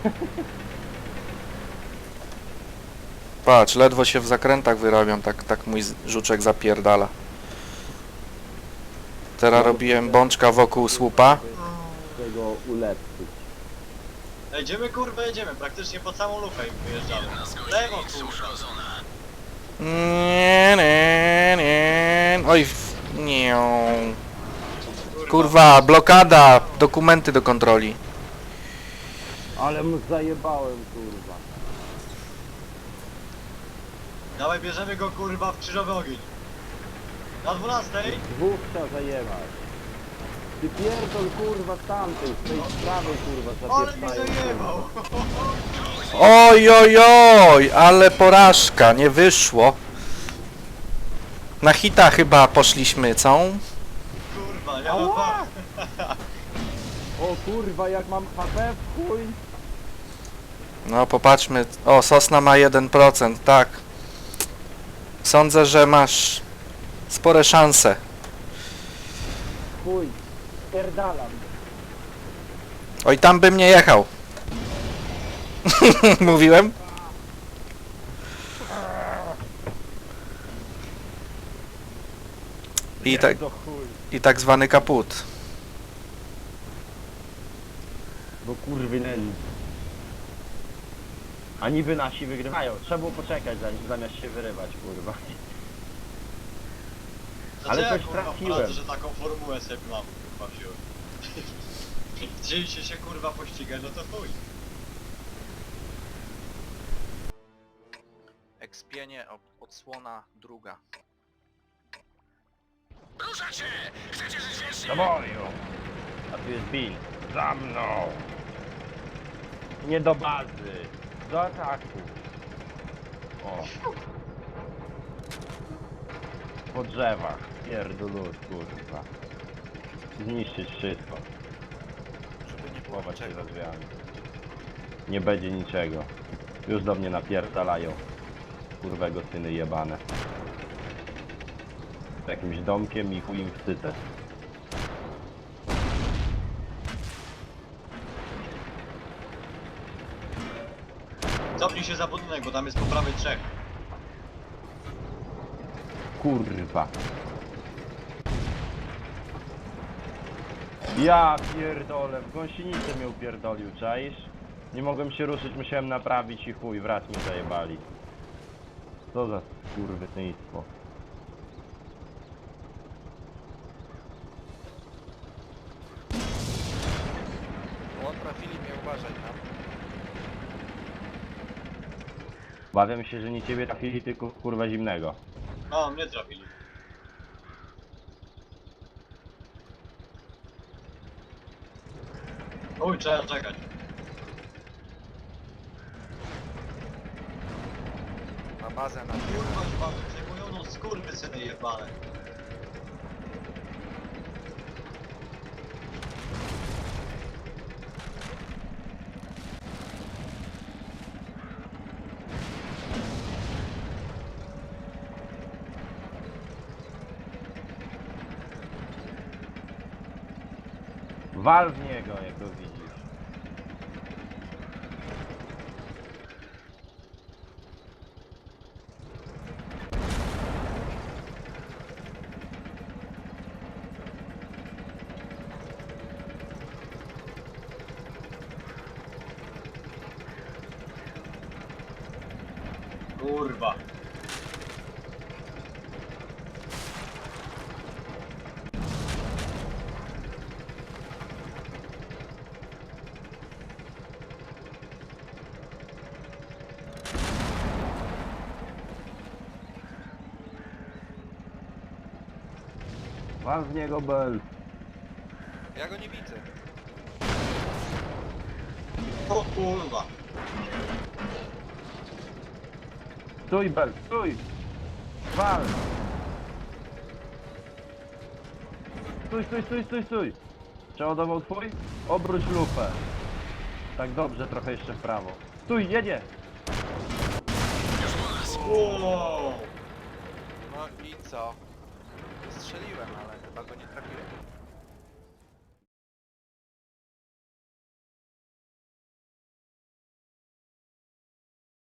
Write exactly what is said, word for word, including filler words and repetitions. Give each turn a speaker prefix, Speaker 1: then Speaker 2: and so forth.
Speaker 1: Patrz, ledwo się w zakrętach wyrabiam, tak, tak mój z- żuczek zapierdala. Teraz robiłem bączka wokół słupa.
Speaker 2: Tego ulepszyć.
Speaker 3: Jedziemy kurwa, jedziemy, praktycznie po całą lufę im wyjeżdżamy. Lewo kurwa.
Speaker 1: Nie, nie, nie. Oj, w- nie. Kurwa, blokada, dokumenty do kontroli.
Speaker 2: Ale mu zajebałem, kurwa.
Speaker 3: Dawaj, bierzemy go kurwa w krzyżowy ogień. Na dwunastej.
Speaker 2: Dwóch trzeba zajebać. Ty pierdol, kurwa, z tamtej, z tej prawej, kurwa,
Speaker 3: Ale mi
Speaker 2: zapieprzają.
Speaker 3: zajebał.
Speaker 1: Oj, oj, oj, ale porażka, nie wyszło. Na hita chyba poszliśmy, co?
Speaker 3: Kurwa, ja
Speaker 2: Ała! O kurwa, jak mam H P w chuj.
Speaker 1: No popatrzmy, o, Sosna ma jeden procent, tak. Sądzę, że masz spore szanse.
Speaker 2: Chuj. Pierdalam.
Speaker 1: Oj, tam bym nie jechał. Mówiłem? I tak,
Speaker 2: To chuj.
Speaker 1: i tak zwany kaput.
Speaker 2: Bo kurwy nędzy. A niby nasi wygrywają. Trzeba było poczekać zanim, zamiast się wyrywać, kurwa. Ale
Speaker 3: Znaczy,
Speaker 2: coś
Speaker 3: ja, kurwa,
Speaker 2: trafiłem.
Speaker 3: poradzę, że taką formułę sobie mam kurwa wziąłem. Chcieliście się kurwa pościgać, no to chuj.
Speaker 1: Ekspienie, odsłona druga.
Speaker 2: Do boju! A tu jest Bill. Za mną! Nie do bazy. Do ataku. O. Po drzewach. Pierdolut, kurwa. Zniszczyć wszystko.
Speaker 1: Żeby nie było
Speaker 2: Chować się
Speaker 1: niczego.
Speaker 2: za drzwiami. Nie będzie niczego. Już do mnie napierdalają. Kurwego syny jebane. Z jakimś domkiem i chuj im wstydzę.
Speaker 3: Cofnij się za budynek, bo tam jest po prawej trzech.
Speaker 2: Kurwa. Ja pierdolę, w gąsienicę mnie upierdolił, czaisz? Nie mogłem się ruszyć, musiałem naprawić i chuj, wraz mi zajebali. Co za kurwysyństwo.
Speaker 1: O, trafili mnie, uważaj tam.
Speaker 2: Bawiam się, że nie ciebie trafili, tylko kurwa zimnego.
Speaker 3: No, mnie trafili. Uj, trzeba czekać.
Speaker 1: Na bazę na
Speaker 3: Kurwa, chyba przejmują no skurwysyny jebane.
Speaker 2: Wal w niego, jak go widzisz.
Speaker 3: Kurwa.
Speaker 2: Wal w niego, Bel.
Speaker 1: Ja go nie widzę.
Speaker 3: O kurwa.
Speaker 2: Stój, Bel, stój! Wal! Stój, stój, stój, stój, stój! Przeładował twój? Obróć lufę. Tak dobrze, trochę jeszcze w prawo. Stój, jedzie!
Speaker 3: Wow.
Speaker 1: No i co? Strzeliłem, ale chyba go nie trafiłem.